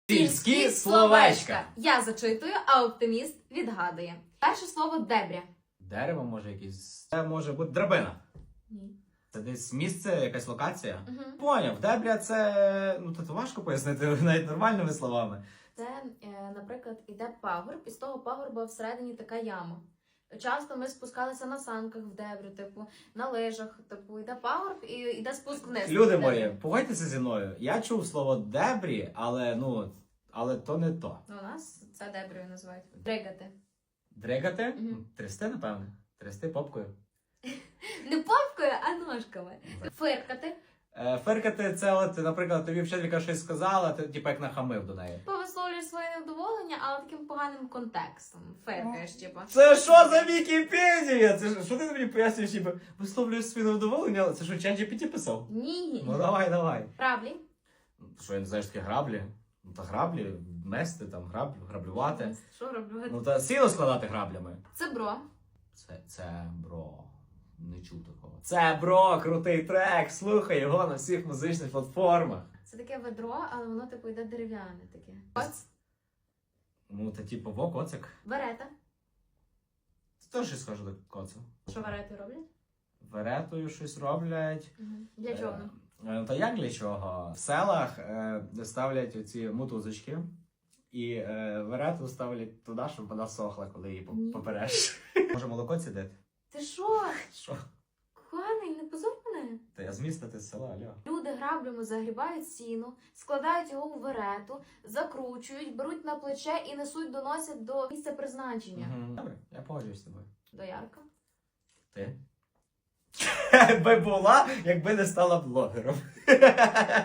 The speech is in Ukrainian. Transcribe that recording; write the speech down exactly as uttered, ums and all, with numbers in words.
Сільські словечка. Я зачитую, а оптиміст відгадує. Перше слово дебря. Дерево може якесь. Це може бути драбина. Ні. Це десь місце, якась локація. Угу. Поняв, дебря це. Ну тут важко пояснити навіть нормальними словами. Це, е, наприклад, іде пагорб, і з того пагорба всередині така яма. Часто ми спускалися на санках в дебрю, типу, на лижах, типу, йде пагорб і йде спуск вниз. Люди мої, погодьтеся зі мною. Я чув слово дебрі, але ну, але то не то. Ну, у нас це деброю називають. Дригати. Дригати? Мгм. Трясти, напевне. Трясти попкою. Не попкою, а ножками. Фиркати. Е, фиркати це, от, наприклад, тобі вчителька щось сказала, ти типу як нахамив до неї. Повисловлюєш своє невдоволення, але таким поганим контекстом. Фиркаєш, типу. Це що за Вікіпедія? Це ж- що ти мені пояснюєш, ніби висловлюєш своє невдоволення? Це що, чат джі пі ті писав? Ні. Ну давай, давай. Граблі. Що я не знаю, що таке граблі? Ну та граблі, мести, там, граб, граблювати. Що роблю? Ну та сіно складати граблями. Це бро. Це, це, бро, не чув такого. Це, бро, крутий трек, слухай його на всіх музичних платформах. Це таке ведро, але воно типу йде дерев'яне таке. Коц. Ну, та типу, во, коцик. Верета. Це теж щось схоже до коцу. Що верети роблять? Веретою щось роблять. Угу. Для чого? Е, е, Та як для чого? В селах е, ставлять оці мотузочки. І е, верету ставлять туди, щоб вона сохла, коли її Ні. по- попереш. Може молоко цідити? Ти що? Що? Коханий, не позор мене. Та я з міста, ти з села, алло. Люди граблями загрібають сіно, складають його у верету, закручують, беруть на плече і несуть, доносять до місця призначення. Мгм. Добре, я погоджуюсь з тобою. До ярка. Ти? Би була, якби не стала блогером.